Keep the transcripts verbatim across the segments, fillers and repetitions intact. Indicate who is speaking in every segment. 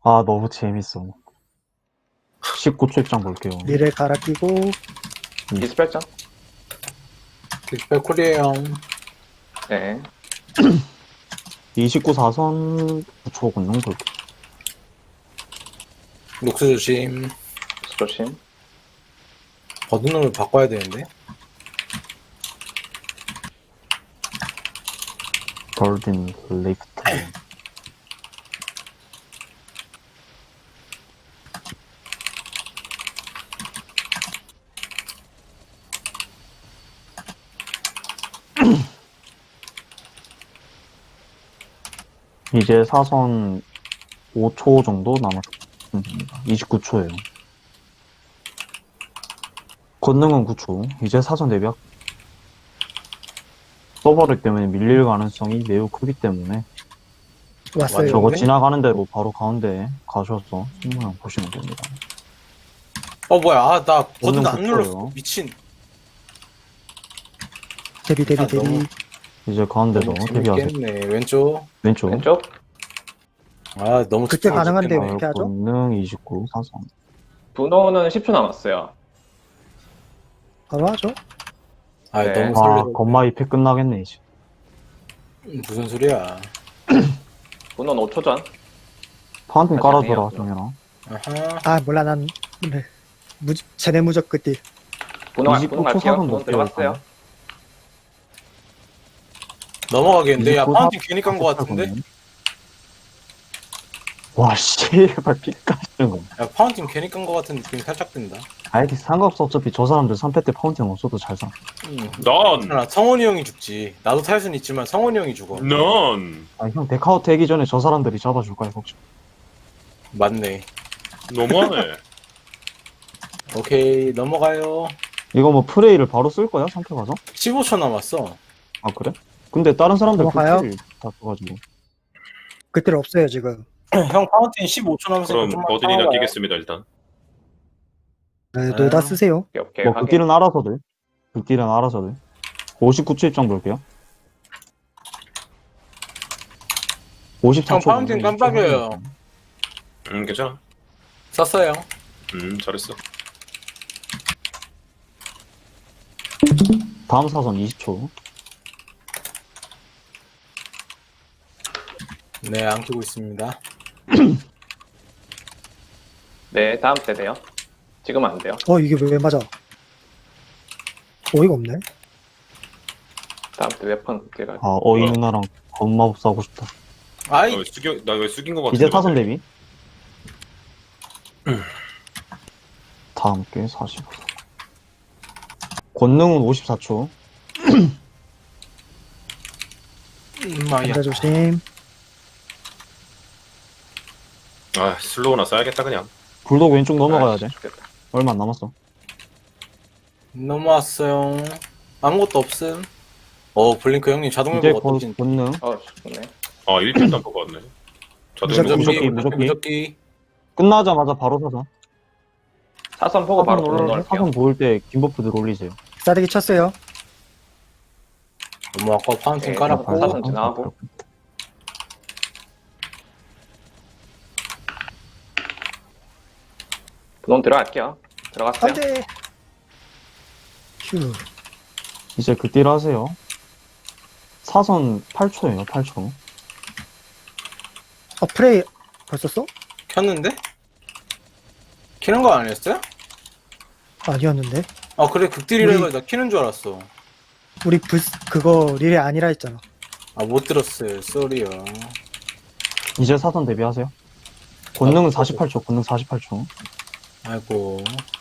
Speaker 1: 아, 너무 재밌어. 십구 초 입장 볼게요.
Speaker 2: 리를 갈아 끼고
Speaker 3: 이십팔 점.
Speaker 4: 빅백 쿨이에요.
Speaker 3: 네.
Speaker 1: 이십구 사선 구 초 권능 볼게요.
Speaker 4: 녹수 조심.
Speaker 3: 조심.
Speaker 4: 버든놈을 바꿔야 되는데.
Speaker 1: 골든 레이프트. 이제 사선 오 초 정도 남았습니다. 이십구 초예요. 권능은 구 초. 이제 사선 대비학. 서버를 때문에 밀릴 가능성이 매우 크기 때문에
Speaker 2: 왔어요.
Speaker 1: 저거
Speaker 4: 네.
Speaker 1: 지나가는 대로 바로 가운데 가셔서 승모양 보시면 됩니다.
Speaker 4: 어 뭐야? 아 나 버든
Speaker 1: 버튼
Speaker 4: 안 눌렀어.
Speaker 1: 붙어요.
Speaker 4: 미친.
Speaker 2: 대비 대비
Speaker 4: 아,
Speaker 2: 대비.
Speaker 4: 너무-
Speaker 1: 이제 가운데서
Speaker 4: 너무
Speaker 1: 대비하세요.
Speaker 4: 재밌겠네. 왼쪽.
Speaker 1: 왼쪽.
Speaker 3: 왼쪽.
Speaker 4: 아 너무
Speaker 2: 그때
Speaker 4: 집중하고
Speaker 2: 가능한데
Speaker 4: 싶겠네.
Speaker 2: 왜 이렇게 하죠?
Speaker 1: 권능 이십구 사선.
Speaker 3: 분호는 십 초 남았어요.
Speaker 2: 바로 하죠.
Speaker 4: 아
Speaker 3: 네.
Speaker 4: 너무
Speaker 1: 아,
Speaker 4: 설레.
Speaker 1: 건마 이패 끝나겠네 이제.
Speaker 4: 무슨 소리야?
Speaker 3: 분호는 오 초 전.
Speaker 1: 파운틴
Speaker 3: 아,
Speaker 1: 깔아줘라
Speaker 3: 잘해요.
Speaker 1: 정현아.
Speaker 4: 아하.
Speaker 2: 아 몰라 난 네. 무 제네 무적 끝딜.
Speaker 3: 분호 갈-
Speaker 1: 이십구
Speaker 3: 분호
Speaker 1: 초
Speaker 3: 갈게요.
Speaker 1: 사선
Speaker 3: 분호
Speaker 1: 볼게요,
Speaker 3: 들어갔어요.
Speaker 4: 넘어가겠는데. 야
Speaker 1: 이십구
Speaker 4: 파운틴
Speaker 1: 사-
Speaker 4: 괜히 깐 거 같은데.
Speaker 1: 와 씨발 피까지는 거.
Speaker 4: 야 파운틴 괜히 깐 거 같은 느낌이 살짝 든다.
Speaker 1: 아이 상관없어. 어차피 저 사람들 삼 패 때 파운틴 없어도 잘 사.
Speaker 4: 음.
Speaker 5: 넌!
Speaker 4: 나 성원이 형이 죽지. 나도 탈 수는 있지만 성원이 형이 죽어.
Speaker 5: 넌!
Speaker 1: 아형 데카우트 하기 전에 저 사람들이 잡아줄 거야 걱정.
Speaker 4: 맞네.
Speaker 5: 너무하네.
Speaker 4: 오케이 넘어가요.
Speaker 1: 이거 뭐 프레이를 바로 쓸 거야 삼 패 가서?
Speaker 4: 십오 초 남았어.
Speaker 1: 아 그래? 근데 다른 사람들
Speaker 2: 넘어가요?
Speaker 1: 그다 써가지고.
Speaker 2: 끝딜 없어요 지금.
Speaker 4: 형 파운틴 십오 초 남았으니까
Speaker 5: 그럼
Speaker 4: 좀만
Speaker 5: 버든이나
Speaker 4: 참아봐요.
Speaker 5: 끼겠습니다, 일단.
Speaker 2: 네, 노다
Speaker 4: 아.
Speaker 2: 쓰세요.
Speaker 3: 오케이, 오케이.
Speaker 1: 뭐
Speaker 3: 확인.
Speaker 1: 극딜은 알아서들. 극딜은 알아서들. 오십구 초 입장 볼게요. 오십사 초.
Speaker 4: 형 파운틴 깜빡여요.
Speaker 5: 음, 괜찮아.
Speaker 4: 썼어요.
Speaker 5: 음, 잘했어.
Speaker 1: 다음 사선 이십 초.
Speaker 4: 네, 안 끼고 있습니다.
Speaker 3: 네, 다음 세대요. 지금은 안 돼요.
Speaker 2: 어 이게 왜 맞아? 어이가 없네.
Speaker 3: 다음 때 웨폰 극딜 갈.
Speaker 1: 아 어이 누나랑 건마법사 하고 싶다.
Speaker 4: 아이,
Speaker 5: 나 왜 숙여, 나 왜 숙인 거 같은데?
Speaker 1: 이제 사선 대비. 다음 게 사십오. 권능은 오십사 초.
Speaker 4: 엄마야.
Speaker 2: 감자 조심.
Speaker 5: 아, 슬로우나 써야겠다, 그냥.
Speaker 1: 불독 왼쪽 넘어가야 돼.
Speaker 3: 아, 좋겠다.
Speaker 1: 얼마 안 남았어.
Speaker 4: 넘어왔어요. 아무것도 없음. 어, 블링크 형님 자동
Speaker 1: 이제
Speaker 4: 회복
Speaker 1: 권,
Speaker 4: 어떠신?
Speaker 1: 권능.
Speaker 3: 어, 좋네.
Speaker 5: 아, 일 편도 안 보고 왔네. 저도
Speaker 2: 무조건
Speaker 4: 무적기,
Speaker 1: 무적기,
Speaker 4: 무적기,
Speaker 1: 무적기.
Speaker 4: 무적기.
Speaker 1: 끝나자마자 바로 사선.
Speaker 3: 사선 보고 바로
Speaker 1: 사선
Speaker 3: 분호
Speaker 1: 올라
Speaker 3: 넣을게요.
Speaker 1: 사선 보일 때 김버프들 올리세요.
Speaker 2: 싸대기 쳤어요.
Speaker 4: 너무 아까 파운틴
Speaker 3: 네,
Speaker 4: 깔았고.
Speaker 3: 사선 지나가고. 분호 들어갈게요. 들어갔어요.
Speaker 2: 안돼. 휴.
Speaker 1: 이제 그딜 하세요. 사선 팔 초예요. 팔 초.
Speaker 2: 어 프레이 벌써 써?
Speaker 4: 켰는데? 키는 거 아니었어요?
Speaker 2: 아니었는데.
Speaker 4: 아, 그래, 극딜이라
Speaker 2: 우리-
Speaker 4: 해가지고 나 키는 줄 알았어.
Speaker 2: 우리 부 그거 릴이 아니라 했잖아.
Speaker 4: 아, 못 들었어요. 쏘리요.
Speaker 1: 이제 사선 대비하세요. 권능은 사십팔 초. 권능 사십팔 초.
Speaker 4: 아이고.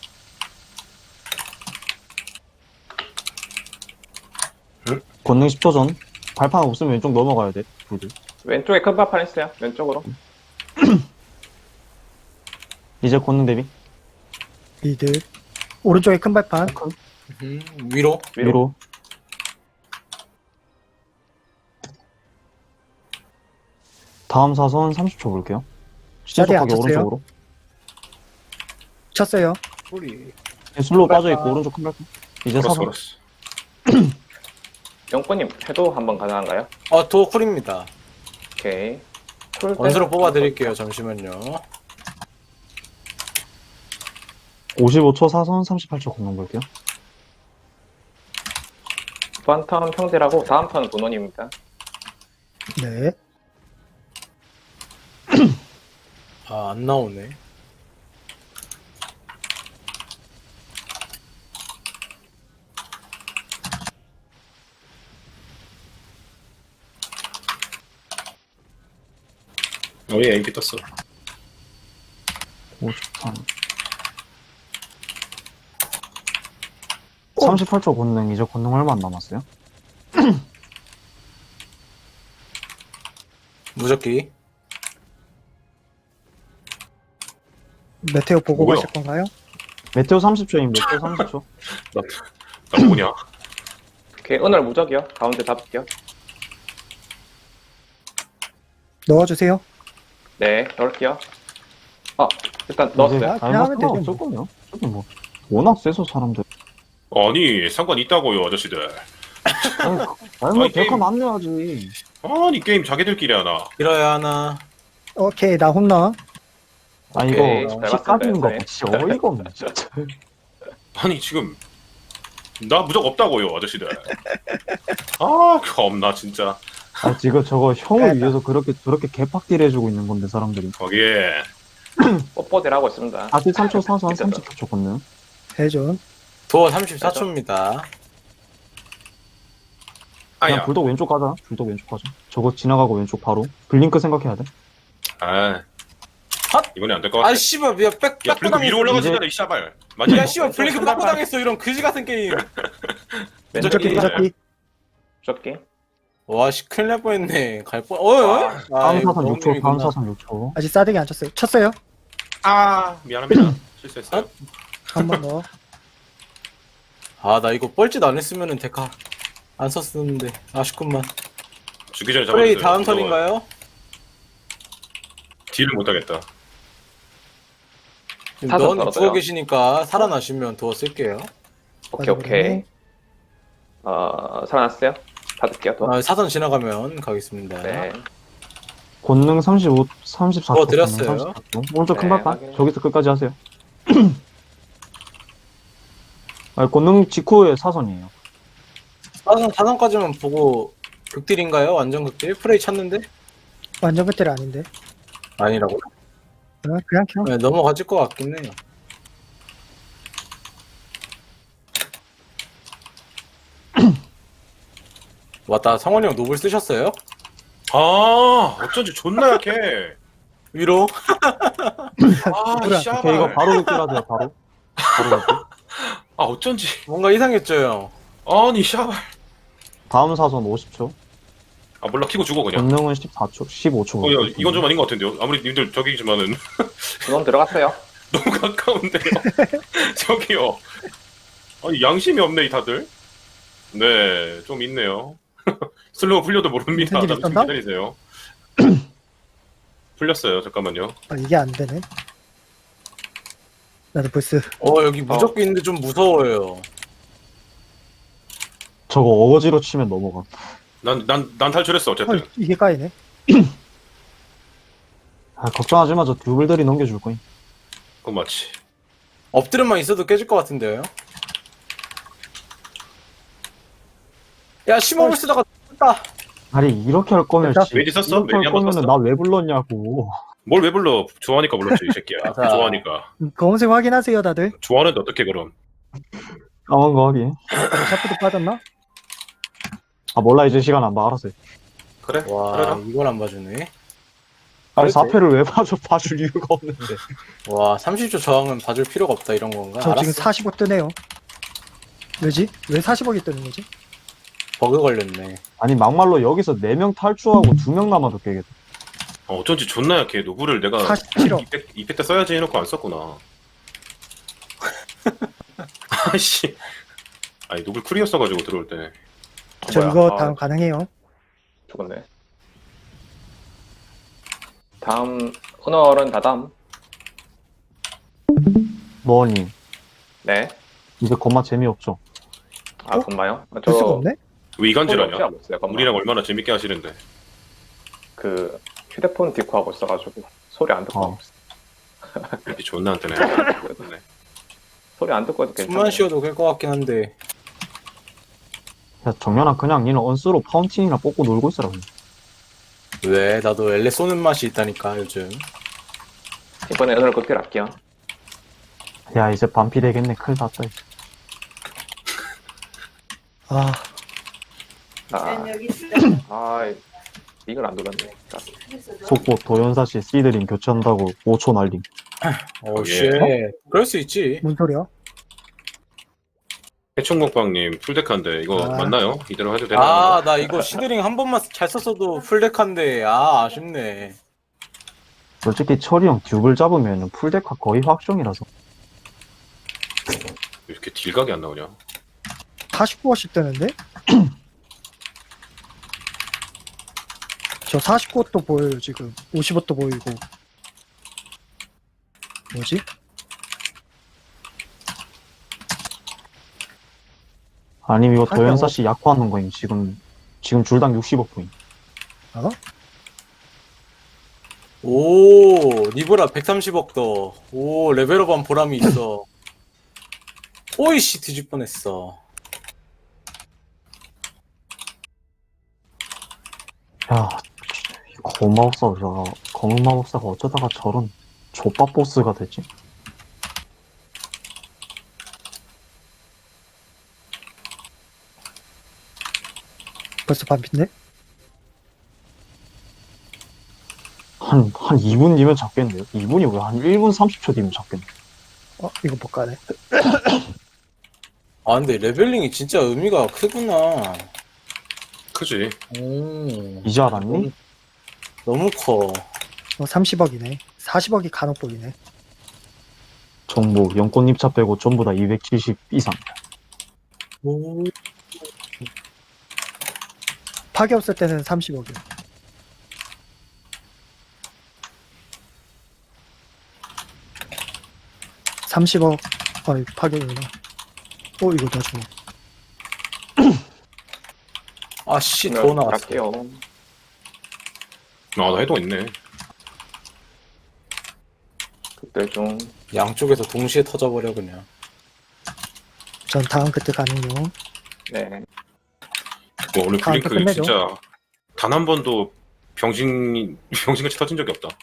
Speaker 1: 권능 십 초 전. 발판 없으면 왼쪽 넘어가야 돼. 둘이.
Speaker 3: 왼쪽에 큰 발판 있어요. 왼쪽으로.
Speaker 1: 이제 권능 대비.
Speaker 2: 리드. 오른쪽에 큰 발판.
Speaker 1: 큰
Speaker 4: 음, 위로.
Speaker 3: 위로.
Speaker 1: 위로. 다음 사선 삼십 초 볼게요.
Speaker 2: 자리에
Speaker 1: 시작하게
Speaker 2: 앉혔어요?
Speaker 1: 오른쪽으로.
Speaker 2: 쳤어요.
Speaker 4: 쏘리.
Speaker 1: 슬로우
Speaker 4: 발판.
Speaker 1: 빠져있고 오른쪽 큰 발판. 이제
Speaker 5: 걸었어,
Speaker 1: 사선.
Speaker 5: 걸었어.
Speaker 3: 영권님 해도 한번 가능한가요?
Speaker 4: 아, 도어 쿨입니다.
Speaker 3: 오케이. 풀 때.
Speaker 4: 원수로 뽑아드릴게요. 잠시만요.
Speaker 1: 오십오 초 사선, 삼십팔 초 공룡 볼게요.
Speaker 3: 이번 턴 평딜하고 다음 턴은 본원입니다.
Speaker 2: 네.
Speaker 4: 아, 안 나오네.
Speaker 5: 어, 얘 엠피 떴어.
Speaker 1: 오십삼. 삼십팔 초 권능, 이제 권능 얼마 안 남았어요?
Speaker 4: 무적기.
Speaker 2: 메테오 보고
Speaker 5: 뭐야?
Speaker 2: 가실 건가요?
Speaker 1: 메테오 삼십 초임, 메테오 삼십 초.
Speaker 5: 나 뭐냐?
Speaker 3: 오케이, 은월 무적이요. 가운데 잡을게요.
Speaker 2: 넣어주세요.
Speaker 3: 네, 넣을게요. 아, 일단 넣었어요.
Speaker 1: 이제
Speaker 2: 아,
Speaker 1: 잘
Speaker 2: 그냥 하면
Speaker 1: 맞으면
Speaker 2: 되죠,
Speaker 1: 없을 거예요. 저기 뭐, 워낙 세서 사람들.
Speaker 5: 아니 상관 있다고요 아저씨들.
Speaker 1: 아니, 아니 뭐,
Speaker 5: 아니,
Speaker 1: 데카
Speaker 5: 게임-
Speaker 1: 만내야지.
Speaker 5: 아니 게임 자기들끼리 하나.
Speaker 4: 길어야 하나.
Speaker 2: 오케이, 나 홈런.
Speaker 1: 아,
Speaker 3: 오케이,
Speaker 1: 이거,
Speaker 3: 잘
Speaker 1: 피
Speaker 3: 봤습니다,
Speaker 1: 까지는 거
Speaker 3: 네.
Speaker 1: 진짜 어이가 없네, 진짜.
Speaker 5: 아니 지금 나 무적 없다고요 아저씨들. 아 겁나 진짜.
Speaker 1: 아, 지금 저거 형을
Speaker 2: 그러니까.
Speaker 1: 위해서 그렇게, 저렇게 개팍딜 해주고 있는 건데, 사람들이.
Speaker 5: 거기에
Speaker 3: 뽀뽀딜 하고 있습니다.
Speaker 1: 사십삼 초 사선,
Speaker 3: 미쳤다.
Speaker 1: 삼십팔 초 권능.
Speaker 2: 대전.
Speaker 4: 도어 삼십사 초입니다.
Speaker 1: 그냥
Speaker 5: 아야.
Speaker 1: 불독 왼쪽 가자. 불독 왼쪽 가자. 저거 지나가고 왼쪽 바로. 블링크 생각해야 돼.
Speaker 5: 아
Speaker 4: 핫!
Speaker 5: 이번에 안 될 것 같아.
Speaker 4: 아, 씨발, 야, 백,
Speaker 5: 야
Speaker 4: 백
Speaker 5: 블링크 위로 올라가지잖아
Speaker 1: 이제-
Speaker 5: 이 샤발. 맞아.
Speaker 4: 야, 씨발, 블링크 빠꾸 당했어. 이런 그지 같은 게임.
Speaker 2: 무적기,
Speaker 3: 왼쪽이
Speaker 2: 무적기.
Speaker 3: 무적기.
Speaker 4: 와, 씨, 큰일 날 뻔했네. 갈 뻔, 어이, 어이?
Speaker 3: 아,
Speaker 4: 아,
Speaker 1: 다음
Speaker 4: 이거
Speaker 1: 사선 육 초, 다음
Speaker 4: 너무님이구나.
Speaker 1: 사선 육 초.
Speaker 2: 아직 싸대기 안 쳤어요. 쳤어요.
Speaker 5: 아 미안합니다. 실수했어요.
Speaker 2: 한 번 더.
Speaker 4: 아, 나 이거 뻘짓 안 했으면은 데카 안 썼었는데. 아쉽구만.
Speaker 5: 죽기 전에
Speaker 4: 프레이
Speaker 5: 잡아주세요.
Speaker 4: 다음
Speaker 5: 이거
Speaker 4: 턴인가요?
Speaker 5: 딜을 못하겠다.
Speaker 3: 사선
Speaker 4: 너는
Speaker 3: 떨어져요.
Speaker 4: 죽어 계시니까 살아나시면 도어 쓸게요.
Speaker 3: 오케이, 오케이. 어, 살아났어요? 받을게요, 또.
Speaker 4: 아, 사선 지나가면 가겠습니다.
Speaker 3: 네.
Speaker 1: 권능 삼십오, 삼십사 초.
Speaker 4: 어, 드렸어요.
Speaker 1: 권능 삼십사 초. 오른쪽 큰
Speaker 3: 네,
Speaker 1: 발판.
Speaker 3: 확인.
Speaker 1: 저기서 끝까지 하세요. 아, 권능 직후에 사선이에요.
Speaker 4: 사선, 사선까지만 보고 극딜인가요? 완전 극딜? 프레이 찼는데?
Speaker 2: 완전 그때는 아닌데.
Speaker 4: 아니라고?
Speaker 2: 그냥, 그냥 켜.
Speaker 4: 네, 넘어가질 것 같긴 해요. 왔다, 성원이 형 노블 쓰셨어요?
Speaker 5: 아 어쩐지 존나 약해.
Speaker 4: 위로?
Speaker 5: 아
Speaker 2: 뭐야,
Speaker 5: 샤발.
Speaker 1: 오케이, 이거 바로 극딜하세요, 바로. 바로 극딜.
Speaker 5: 아 어쩐지.
Speaker 4: 뭔가 이상했죠, 형?
Speaker 5: 아니 샤발.
Speaker 1: 다음 사선 오십 초.
Speaker 5: 아 몰라 키고 죽어 그냥.
Speaker 1: 권능은 십사 초, 십오 초.
Speaker 5: 어, 야, 이건 좀 아닌 것 같은데요. 아무리 님들 저기지만은
Speaker 3: 그놈 들어갔어요.
Speaker 5: 너무 가까운데요. 저기요. 아니 양심이 없네 이 다들. 네, 좀 있네요. 슬로우 풀려도 모릅니다.
Speaker 2: 무슨 일
Speaker 5: 좀
Speaker 2: 있었나?
Speaker 5: 기다리세요. 풀렸어요. 잠깐만요.
Speaker 2: 아, 이게 안 되네. 나도 벌써.
Speaker 4: 어, 여기 무적기 있는데 좀 무서워요.
Speaker 1: 저거 어거지로 치면 넘어가.
Speaker 5: 난 난 난 탈출했어 어쨌든.
Speaker 2: 헐, 이게 까이네.
Speaker 1: 아, 걱정하지 마. 저 듀블들이 넘겨줄 거임.
Speaker 5: 그건 맞지.
Speaker 4: 엎드려만 있어도 깨질 것 같은데요? 야, 심호흡을 쓰다가 다
Speaker 1: 아니, 이렇게 할 거면,
Speaker 2: 됐다.
Speaker 1: 씨,
Speaker 5: 메디 썼어?
Speaker 1: 이렇게 할
Speaker 5: 메디 한번
Speaker 1: 거면은
Speaker 5: 썼어?
Speaker 1: 나 왜 불렀냐고.
Speaker 5: 뭘 왜 불러? 좋아하니까 불렀지 이 새끼야.
Speaker 4: 맞아.
Speaker 5: 좋아하니까.
Speaker 2: 음, 검은색 확인하세요, 다들.
Speaker 5: 좋아하는데 어떻게 그럼?
Speaker 1: 까만 거 하긴.
Speaker 2: 샤프도 빠졌나?
Speaker 1: 아, 몰라. 이제 시간 안 봐. 알았어요.
Speaker 5: 그래.
Speaker 4: 와,
Speaker 5: 그래라.
Speaker 4: 이걸 안 봐주네.
Speaker 1: 아니,
Speaker 4: 그렇지.
Speaker 1: 사 패를 왜 봐줘? 봐줄 이유가 없는데.
Speaker 4: 와, 삼십 초 저항은 봐줄 필요가 없다, 이런 건가?
Speaker 2: 저 지금
Speaker 4: 알았어.
Speaker 2: 사십억 뜨네요. 왜지? 왜 사십억이 뜨는 거지?
Speaker 4: 버그 걸렸네.
Speaker 1: 아니, 막말로 여기서 네 명 탈주하고 두 명 남아도 깨겠다.
Speaker 5: 어, 어쩐지 존나 약해. 노브를 내가
Speaker 2: 사십칠억.
Speaker 5: 이펙 이펙 때 써야지 해놓고 안 썼구나. 아씨. 아니 노블 쿨이었어가지고 들어올 때.
Speaker 2: 저
Speaker 3: 뭐야?
Speaker 2: 이거
Speaker 3: 아,
Speaker 2: 다음 가능해요.
Speaker 3: 죽었네. 다음, 은월은 다다음.
Speaker 1: 뭐니?
Speaker 3: 네.
Speaker 1: 이제 겁마 재미없죠?
Speaker 3: 아,
Speaker 2: 어?
Speaker 3: 건마요?
Speaker 2: 볼 수가 없네?
Speaker 5: 왜 이간질하냐?
Speaker 3: 없어요, 건마.
Speaker 5: 우리랑 얼마나 재밌게 하시는데.
Speaker 3: 그, 휴대폰 디코 하고 있어가지고 소리 안 듣고
Speaker 1: 어.
Speaker 3: 하고 있어.
Speaker 5: 이렇게 존나 안 뜨네. 네.
Speaker 3: 소리 안 듣고 해도 괜찮아.
Speaker 4: 숨만 쉬어도 될 것 같긴 한데.
Speaker 1: 야, 정연아, 그냥 니는 언스로 파운틴이나 뽑고 놀고 있어라. 그냥.
Speaker 4: 왜? 나도 엘레 쏘는 맛이 있다니까 요즘.
Speaker 3: 이번에 오늘 극딜 할게요.
Speaker 1: 야, 이제 반피 되겠네. 큰일 났다. 이제.
Speaker 2: 아,
Speaker 3: 아, 아, 이걸 안 눌렀네.
Speaker 1: 속보 도연사씨 시드링 교체한다고 오 초 날림.
Speaker 4: 오,
Speaker 5: 예.
Speaker 4: 쉣. 그럴 수 있지.
Speaker 2: 뭔 소리야?
Speaker 5: 해충국방님 풀데카인데 이거
Speaker 2: 아.
Speaker 5: 맞나요? 이대로 해도 되나요?
Speaker 4: 아, 나 이거 시드링 한 번만 잘 썼어도 풀덱한데, 아, 아쉽네.
Speaker 1: 솔직히 철이 형 듀블 잡으면 풀데카 거의 확정이라서.
Speaker 5: 왜 이렇게 딜각이 안 나오냐?
Speaker 2: 사십구 원씩 뜨는데? 저 사십구 원도 보여요 지금. 오십 원도 보이고. 뭐지?
Speaker 1: 아니면 이거
Speaker 2: 아,
Speaker 1: 도연사씨 약화하는 거임. 지금, 지금 줄당 육십억 포인.
Speaker 2: 어?
Speaker 4: 오, 니브라 백삼십억 더. 오, 레벨업한 보람이 있어. 오이씨, 뒤질 뻔했어.
Speaker 1: 야, 검은 마법사가, 검은 마법사가 어쩌다가 저런 족밥 보스가 되지?
Speaker 2: 벌써 반핀데?
Speaker 1: 한, 한 이 분 뒤면 잡겠네요? 이 분이 왜 한 일 분 삼십 초 뒤면 잡겠네.
Speaker 2: 어, 이거 못 가네.
Speaker 4: 아, 근데 레벨링이 진짜 의미가 크구나.
Speaker 5: 크지.
Speaker 4: 오,
Speaker 1: 이제 알았니?
Speaker 4: 너무 커.
Speaker 2: 어, 삼십억이네. 사십억이 간혹 보이네.
Speaker 1: 정보, 연꽃 입차 빼고 전부 다 이백칠십 이상.
Speaker 4: 오,
Speaker 2: 파괴 없을 때는 삼십억이요. 삼십억. 아, 이거 파괴구나. 어, 이거 나 주워.
Speaker 4: 아, 씨,
Speaker 3: 오늘
Speaker 4: 더 나왔어.
Speaker 3: 갈게요.
Speaker 5: 아, 나 해동 있네.
Speaker 3: 극딜 중.
Speaker 4: 양쪽에서 동시에 터져버려, 그냥.
Speaker 2: 전 다음 그때 가는요.
Speaker 3: 네.
Speaker 5: 뭐 오늘
Speaker 2: 아,
Speaker 5: 블링크
Speaker 2: 끝내죠.
Speaker 5: 진짜 단 한 번도 병신 병신같이 터진 적이 없다.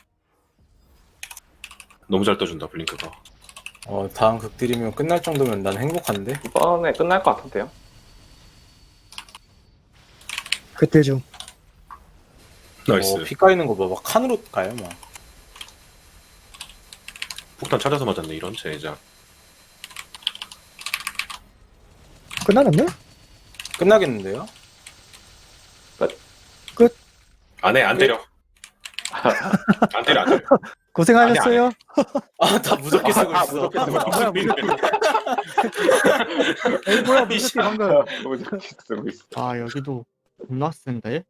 Speaker 5: 너무 잘 떠준다 블링크가.
Speaker 4: 어, 다음 극딜이면 끝날 정도면 난 행복한데?
Speaker 3: 이번에 끝날 것 같은데요.
Speaker 2: 그때 중.
Speaker 5: 나이스.
Speaker 4: 어, 피 까이는 거 봐. 막 칸으로 가요, 막.
Speaker 5: 폭탄 찾아서 맞았네 이런 제자.
Speaker 2: 끝나는데?
Speaker 4: 끝나겠는데요?
Speaker 5: 안해 안 때려. 안 때려 안 때려.
Speaker 2: 고생하셨어요.
Speaker 4: 아, 다 무섭게 쓰고
Speaker 3: 아,
Speaker 4: 있어.
Speaker 3: 무섭게 쓰고 있어.
Speaker 2: 뭐야, 무섭게. 에이, 뭐야, 무섭게 방금.
Speaker 3: 무섭게 쓰고 있어.
Speaker 6: 아 여기도 겁나 센데?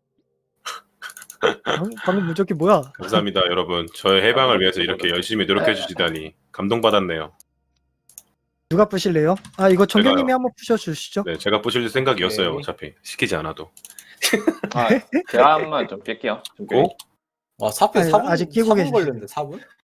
Speaker 2: 방금, 방금 무적기 뭐야?
Speaker 5: 감사합니다 여러분. 저의 해방을 위해서 이렇게 열심히 노력해 주시다니 감동받았네요.
Speaker 2: 누가 부실래요? 아, 이거 정경님이
Speaker 5: 제가요.
Speaker 2: 한번 부셔주시죠.
Speaker 5: 네 제가 부실 생각이었어요.
Speaker 4: 네.
Speaker 5: 어차피 시키지 않아도.
Speaker 3: 아, 제가 한번 좀 뺄게요. 좀
Speaker 5: 고?
Speaker 4: 와, 사패
Speaker 2: 아니,
Speaker 4: 사 분,
Speaker 2: 아직 끼고
Speaker 4: 사 분
Speaker 2: 계시죠.
Speaker 4: 걸렸는데, 사 분?